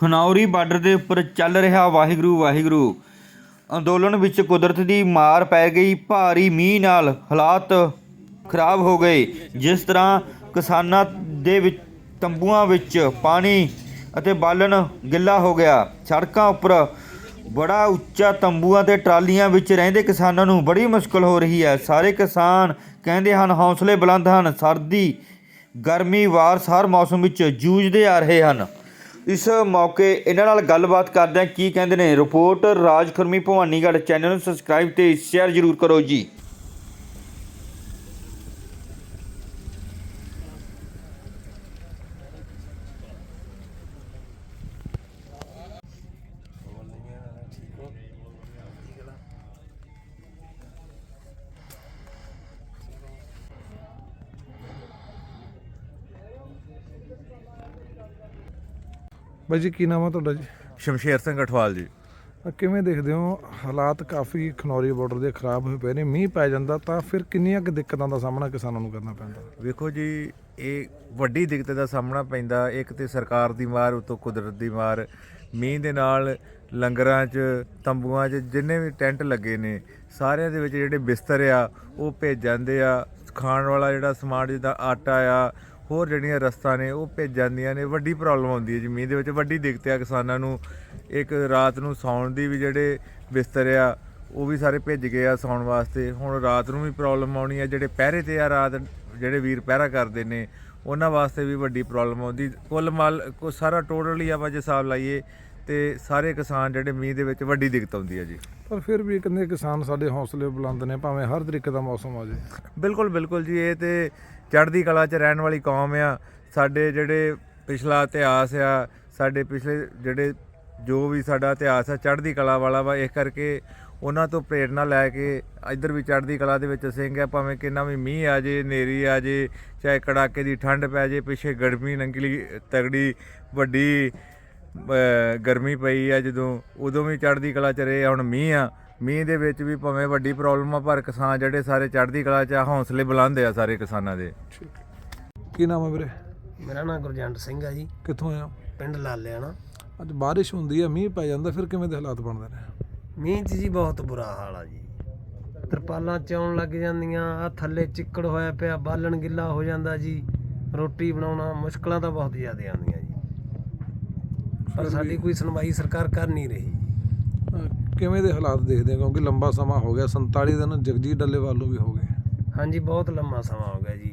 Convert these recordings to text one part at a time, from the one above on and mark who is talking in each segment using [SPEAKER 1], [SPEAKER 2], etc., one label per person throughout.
[SPEAKER 1] Khanauri border ਦੇ ਉੱਪਰ ਚੱਲ ਰਿਹਾ ਵਾਹਿਗੁਰੂ ਵਾਹਿਗੁਰੂ ਅੰਦੋਲਨ ਵਿੱਚ ਕੁਦਰਤ ਦੀ ਮਾਰ ਪੈ ਗਈ। ਭਾਰੀ ਮੀਂਹ ਨਾਲ ਹਾਲਾਤ ਖਰਾਬ ਹੋ ਗਏ। ਜਿਸ ਤਰ੍ਹਾਂ ਕਿਸਾਨਾਂ ਦੇ ਵਿੱਚ ਤੰਬੂਆਂ ਵਿੱਚ ਪਾਣੀ ਅਤੇ ਬਾਲਣ ਗਿੱਲਾ ਹੋ ਗਿਆ। ਸੜਕਾਂ ਉੱਪਰ ਬੜਾ ਉੱਚਾ ਤੰਬੂਆਂ ਤੇ ਟਰਾਲੀਆਂ ਵਿੱਚ ਰਹਿੰਦੇ ਕਿਸਾਨਾਂ ਨੂੰ ਬੜੀ ਮੁਸ਼ਕਲ ਹੋ ਰਹੀ ਹੈ। ਸਾਰੇ ਕਿਸਾਨ ਕਹਿੰਦੇ ਹਨ ਹੌਸਲੇ ਬੁਲੰਦ ਹਨ, ਸਰਦੀ ਗਰਮੀ ਵਾਰਸ ਹਰ ਮੌਸਮ ਵਿੱਚ ਜੂਝਦੇ ਆ ਰਹੇ ਹਨ। ਇਸ ਮੌਕੇ ਇਹਨਾਂ ਨਾਲ ਗੱਲਬਾਤ ਕਰਦੇ ਹਾਂ, ਕੀ ਕਹਿੰਦੇ ਨੇ। ਰਿਪੋਰਟ ਰਾਜ ਖੁਰਮੀ ਭਵਾਨੀਗੜ੍ਹ। ਚੈਨਲ ਨੂੰ ਸਬਸਕ੍ਰਾਈਬ ਤੇ ਸ਼ੇਅਰ ਜ਼ਰੂਰ ਕਰੋ ਜੀ।
[SPEAKER 2] ਬਾਈ ਜੀ ਕੀ ਨਾਮ ਆ ਤੁਹਾਡਾ ਜੀ?
[SPEAKER 3] ਸ਼ਮਸ਼ੇਰ ਸਿੰਘ ਅਠਵਾਲ ਜੀ।
[SPEAKER 2] ਕਿਵੇਂ ਦੇਖਦੇ ਹੋ ਹਾਲਾਤ ਕਾਫੀ ਖਨੌਰੀ ਬਾਰਡਰ ਦੇ ਖਰਾਬ ਹੋਏ ਪਏ ਨੇ, ਮੀਂਹ ਪੈ ਜਾਂਦਾ ਤਾਂ ਫਿਰ ਕਿੰਨੀਆਂ ਕੁ ਦਿੱਕਤਾਂ ਦਾ ਸਾਹਮਣਾ ਕਿਸਾਨਾਂ ਨੂੰ ਕਰਨਾ ਪੈਂਦਾ?
[SPEAKER 3] ਵੇਖੋ ਜੀ, ਇਹ ਵੱਡੀ ਦਿੱਕਤ ਦਾ ਸਾਹਮਣਾ ਪੈਂਦਾ। ਇੱਕ ਤੇ ਸਰਕਾਰ ਦੀ ਮਾਰ, ਉਤੋਂ ਕੁਦਰਤ ਦੀ ਮਾਰ। ਮੀਂਹ ਦੇ ਨਾਲ ਲੰਗਰਾਂ 'ਚ ਤੰਬੂਆਂ 'ਚ ਜਿੰਨੇ ਵੀ ਟੈਂਟ ਲੱਗੇ ਨੇ ਸਾਰਿਆਂ ਦੇ ਵਿੱਚ ਜਿਹੜੇ ਬਿਸਤਰ ਆ ਉਹ ਭੇਜ ਜਾਂਦੇ ਆ। ਖਾਣ ਵਾਲਾ ਜਿਹੜਾ ਸਮਾਨ ਜਿੱਦਾਂ ਆਟਾ ਆ, ਹੋਰ ਜਿਹੜੀਆਂ ਰਸਤਾਂ ਨੇ ਉਹ ਭੇਜ ਜਾਂਦੀਆਂ ਨੇ। ਵੱਡੀ ਪ੍ਰੋਬਲਮ ਆਉਂਦੀ ਹੈ ਜੀ ਮੀਂਹ ਦੇ ਵਿੱਚ। ਵੱਡੀ ਦਿੱਕਤ ਆ ਕਿਸਾਨਾਂ ਨੂੰ। ਇੱਕ ਰਾਤ ਨੂੰ ਸੌਣ ਦੀ ਵੀ ਜਿਹੜੇ ਬਿਸਤਰ ਆ ਉਹ ਵੀ ਸਾਰੇ ਭੇਜ ਗਏ ਆ ਸੌਣ ਵਾਸਤੇ। ਹੁਣ ਰਾਤ ਨੂੰ ਵੀ ਪ੍ਰੋਬਲਮ ਆਉਣੀ ਆ। ਜਿਹੜੇ ਪਹਿਰੇ 'ਤੇ ਆ ਰਾਤ, ਜਿਹੜੇ ਵੀਰ ਪਹਿਰਾ ਕਰਦੇ ਨੇ ਉਹਨਾਂ ਵਾਸਤੇ ਵੀ ਵੱਡੀ ਪ੍ਰੋਬਲਮ ਆਉਂਦੀ। ਕੁੱਲ ਸਾਰਾ ਟੋਟਲੀ ਆਪਾਂ ਜੇ ਹਿਸਾਬ ਲਾਈਏ ਤੇ ਸਾਰੇ ਕਿਸਾਨ ਜਿਹੜੇ ਮੀਂਹ ਦੇ ਵਿੱਚ ਵੱਡੀ ਦਿੱਕਤ ਆਉਂਦੀ ਹੈ ਜੀ।
[SPEAKER 2] ਪਰ ਫਿਰ ਵੀ ਕਹਿੰਦੇ ਕਿਸਾਨ ਸਾਡੇ ਹੌਸਲੇ ਬੁਲੰਦ ਨੇ, ਭਾਵੇਂ ਹਰ ਤਰੀਕੇ ਦਾ ਮੌਸਮ ਆ ਜਾਏ।
[SPEAKER 3] ਬਿਲਕੁਲ ਬਿਲਕੁਲ ਜੀ, ਇਹ ਤੇ ਚੜ੍ਹਦੀ ਕਲਾ 'ਚ ਰਹਿਣ ਵਾਲੀ ਕੌਮ ਆ। ਸਾਡੇ ਜਿਹੜੇ ਪਿਛਲਾ ਇਤਿਹਾਸ ਆ, ਸਾਡੇ ਪਿਛਲੇ ਜਿਹੜੇ ਜੋ ਵੀ ਸਾਡਾ ਇਤਿਹਾਸ ਆ ਚੜ੍ਹਦੀ ਕਲਾ ਵਾਲਾ ਵਾ। ਇਸ ਕਰਕੇ ਉਹਨਾਂ ਤੋਂ ਪ੍ਰੇਰਨਾ ਲੈ ਕੇ ਇੱਧਰ ਵੀ ਚੜ੍ਹਦੀ ਕਲਾ ਦੇ ਵਿੱਚ ਸਿੰਘ ਆ। ਭਾਵੇਂ ਕਿੰਨਾ ਵੀ ਮੀਂਹ ਆ ਜੇ, ਹਨੇਰੀ ਆ ਜੇ, ਚਾਹੇ ਕੜਾਕੇ ਦੀ ਠੰਡ ਪੈ ਜੇ। ਪਿੱਛੇ ਗਰਮੀ ਨੰਗਲੀ ਤਗੜੀ ਵੱਡੀ ਗਰਮੀ ਪਈ ਆ ਜਦੋਂ, ਉਦੋਂ ਵੀ ਚੜ੍ਹਦੀ ਕਲਾ 'ਚ ਰਹੇ। ਹੁਣ ਮੀਂਹ ਆ, ਮੀਂਹ ਦੇ ਵਿੱਚ ਵੀ ਭਾਵੇਂ ਵੱਡੀ ਪ੍ਰੋਬਲਮ ਆ ਪਰ ਕਿਸਾਨ ਜਿਹੜੇ ਸਾਰੇ ਚੜ੍ਹਦੀ ਕਲਾ 'ਚ ਆ, ਹੌਸਲੇ ਬੁਲੰਦ ਆ ਸਾਰੇ ਕਿਸਾਨਾਂ ਦੇ।
[SPEAKER 2] ਕੀ ਨਾਮ ਹੈ ਵੀਰੇ?
[SPEAKER 4] ਮੇਰਾ ਨਾਮ ਗੁਰਜੰਟ ਸਿੰਘ ਆ ਜੀ,
[SPEAKER 2] ਕਿੱਥੋਂ ਆਏ ਹੋ?
[SPEAKER 4] ਪਿੰਡ ਲਾਲਿਆਣਾ।
[SPEAKER 2] ਅੱਜ ਬਾਰਿਸ਼ ਹੁੰਦੀ ਹੈ, ਮੀਂਹ ਪੈ ਜਾਂਦਾ, ਫਿਰ ਕਿਵੇਂ ਦੇ ਹਾਲਾਤ ਬਣਦੇ ਨੇ?
[SPEAKER 4] ਮੀਂਹ 'ਚ ਜੀ ਬਹੁਤ ਬੁਰਾ ਹਾਲ ਆ ਜੀ। ਤਰਪਾਲਾਂ ਚੌਣ ਲੱਗ ਜਾਂਦੀਆਂ, ਆ ਥੱਲੇ ਚਿੱਕੜ ਹੋਇਆ ਪਿਆ, ਬਾਲਣ ਗਿੱਲਾ ਹੋ ਜਾਂਦਾ ਜੀ। ਰੋਟੀ ਬਣਾਉਣਾ ਮੁਸ਼ਕਲਾਂ ਤਾਂ ਬਹੁਤ ਜ਼ਿਆਦਾ ਆਉਂਦੀਆਂ ਜੀ, ਪਰ ਸਾਡੀ ਕੋਈ ਸੁਣਵਾਈ ਸਰਕਾਰ ਕਰ ਨਹੀਂ ਰਹੀ।
[SPEAKER 2] ਕਿਵੇਂ ਦੇ ਹਾਲਾਤ ਦੇਖਦੇ ਹੋ? ਕਿਉਂਕਿ ਲੰਬਾ ਸਮਾਂ ਹੋ ਗਿਆ, 47 ਦਿਨ ਜਗਜੀਤ ਡੱਲੇਵਾਲ ਨੂੰ ਵੀ ਹੋ ਗਏ।
[SPEAKER 4] ਹਾਂਜੀ, ਬਹੁਤ ਲੰਮਾ ਸਮਾਂ ਹੋ ਗਿਆ ਜੀ।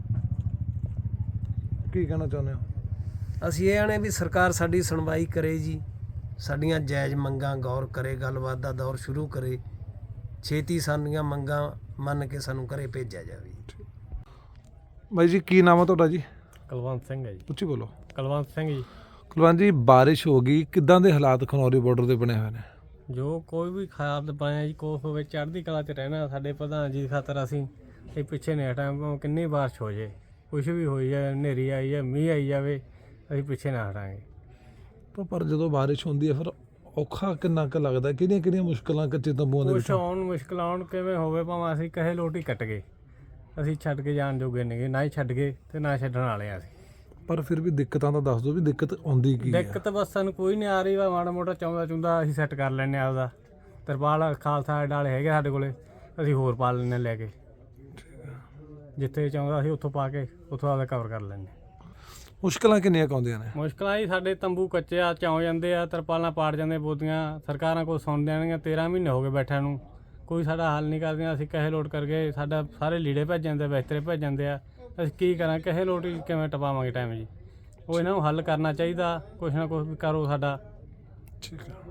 [SPEAKER 2] ਕੀ ਕਹਿਣਾ ਚਾਹੁੰਦੇ ਹੋ?
[SPEAKER 4] ਅਸੀਂ ਇਹ ਆਣੇ ਵੀ ਸਰਕਾਰ ਸਾਡੀ ਸੁਣਵਾਈ ਕਰੇ ਜੀ, ਸਾਡੀਆਂ ਜਾਇਜ਼ ਮੰਗਾਂ ਗੌਰ ਕਰੇ, ਗੱਲਬਾਤ ਦਾ ਦੌਰ ਸ਼ੁਰੂ ਕਰੇ, ਛੇਤੀ ਸਾਡੀਆਂ ਮੰਗਾਂ ਮੰਨ ਕੇ ਸਾਨੂੰ ਘਰੇ ਭੇਜਿਆ ਜਾਵੇ।
[SPEAKER 2] ਬਾਈ ਜੀ ਕੀ ਨਾਮ ਹੈ ਤੁਹਾਡਾ ਜੀ?
[SPEAKER 5] ਕੁਲਵੰਤ ਸਿੰਘ ਹੈ ਜੀ।
[SPEAKER 2] ਉੱਚੀ ਬੋਲੋ।
[SPEAKER 5] ਕੁਲਵੰਤ ਸਿੰਘ ਜੀ।
[SPEAKER 2] ਕੁਲਵੰਤ ਜੀ, ਬਾਰਿਸ਼ ਹੋ ਗਈ, ਕਿੱਦਾਂ ਦੇ ਹਾਲਾਤ ਖਨੌਰੀ ਬਾਰਡਰ ਦੇ ਬਣੇ ਹੋਏ ਨੇ?
[SPEAKER 5] ਜੋ ਕੋਈ ਵੀ ਖਾਦ ਪਾਇਆ ਜੀ, ਕੋਸ ਹੋਵੇ, ਚੜ੍ਹਦੀ ਕਲਾ 'ਚ ਰਹਿਣਾ। ਸਾਡੇ ਪ੍ਰਧਾਨ ਜੀ ਖਾਤਰ ਅਸੀਂ ਇਹ ਪਿੱਛੇ ਨਹੀਂ ਹਟਾਂਗੇ। ਕਿੰਨੀ ਬਾਰਿਸ਼ ਹੋ ਜੇ, ਕੁਛ ਵੀ ਹੋਈ ਜਾਏ, ਹਨੇਰੀ ਆਈ ਜਾਏ, ਮੀਂਹ ਆਈ ਜਾਵੇ, ਅਸੀਂ ਪਿੱਛੇ ਨਾ ਹਟਾਂਗੇ।
[SPEAKER 2] ਪਰ ਜਦੋਂ ਬਾਰਿਸ਼ ਹੁੰਦੀ ਹੈ ਫਿਰ ਔਖਾ ਕਿੰਨਾ ਕੁ ਲੱਗਦਾ? ਕਿਹੜੀਆਂ ਮੁਸ਼ਕਲਾਂ ਕੱਚੇ ਤੰਬੂਆਂ ਦੇ
[SPEAKER 5] ਕੁਛ
[SPEAKER 2] ਵਿੱਚ?
[SPEAKER 5] ਆਉਣ ਮੁਸ਼ਕਿਲ ਆਉਣ ਕਿਵੇਂ ਹੋਵੇ, ਭਾਵੇਂ ਅਸੀਂ ਕਹੇ ਲੋਟੀ ਕੱਟ ਗਏ, ਅਸੀਂ ਛੱਡ ਕੇ ਜਾਣ ਜੋਗੇ ਨੇਗੇ, ਨਾ ਹੀ ਛੱਡ ਗਏ ਤੇ ਨਾ ਛੱਡਣ ਵਾਲੇ ਆ ਅਸੀਂ।
[SPEAKER 2] ਪਰ ਫਿਰ ਵੀ ਦਿੱਕਤਾਂ ਤਾਂ ਦੱਸ ਦਿਓ ਵੀ ਦਿੱਕਤ ਆਉਂਦੀ ਕੀ ਹੈ?
[SPEAKER 5] ਦਿੱਕਤ ਬਸ ਸਾਨੂੰ ਕੋਈ ਨਹੀਂ ਆ ਰਹੀ। ਵਾ ਮਾੜਾ ਮੋਟਾ ਚੁੰਦਾ ਅਸੀਂ ਸੈੱਟ ਕਰ ਲੈਂਦੇ ਆਪਦਾ। ਤਰਪਾਲ ਖਾਲਸਾ ਡਾਲੇ ਹੈਗੇ ਸਾਡੇ ਕੋਲੇ, ਅਸੀਂ ਹੋਰ ਪਾ ਲੈਂਦੇ ਲੈ ਕੇ। ਜਿੱਥੇ ਚਾਹੁੰਦਾ ਅਸੀਂ ਉੱਥੋਂ ਪਾ ਕੇ ਉੱਥੋਂ ਆਪਦਾ ਕਵਰ ਕਰ ਲੈਂਦੇ।
[SPEAKER 2] ਮੁਸ਼ਕਲਾਂ ਕਿੰਨੀਆਂ ਕੁ ਆਉਂਦੀਆਂ ਨੇ?
[SPEAKER 5] ਮੁਸ਼ਕਲਾਂ ਹੀ ਸਾਡੇ ਤੰਬੂ ਕੱਚੇ ਆ, ਚੌਂ ਜਾਂਦੇ ਆ, ਤਰਪਾਲਾਂ ਪਾੜ ਜਾਂਦੇ, ਬੋਦੀਆਂ ਸਰਕਾਰਾਂ ਕੋਲ ਸੁਣ ਦੇਣਗੀਆਂ। 13 ਮਹੀਨੇ ਹੋ ਗਏ ਬੈਠਿਆਂ ਨੂੰ, ਕੋਈ ਸਾਡਾ ਹੱਲ ਨਹੀਂ ਕਰਦੀਆਂ। ਅਸੀਂ ਕਹੇ ਲੋਟ ਕਰਕੇ ਸਾਡਾ ਸਾਰੇ ਲੀੜੇ ਭੇਜ ਜਾਂਦੇ, ਬਿਸਤਰੇ ਭੇਜ ਜਾਂਦੇ ਆ। ਅਸੀਂ ਕੀ ਕਰਾਂ? ਕਹੇ ਲੋਟ ਕਿਵੇਂ ਟਪਾਵਾਂਗੇ ਟਾਈਮ ਜੀ? ਉਹ ਇਹਨਾਂ ਨੂੰ ਹੱਲ ਕਰਨਾ ਚਾਹੀਦਾ, ਕੁਛ ਨਾ ਕੁਛ ਵੀ ਕਰੋ ਸਾਡਾ।
[SPEAKER 2] ਠੀਕ ਹੈ।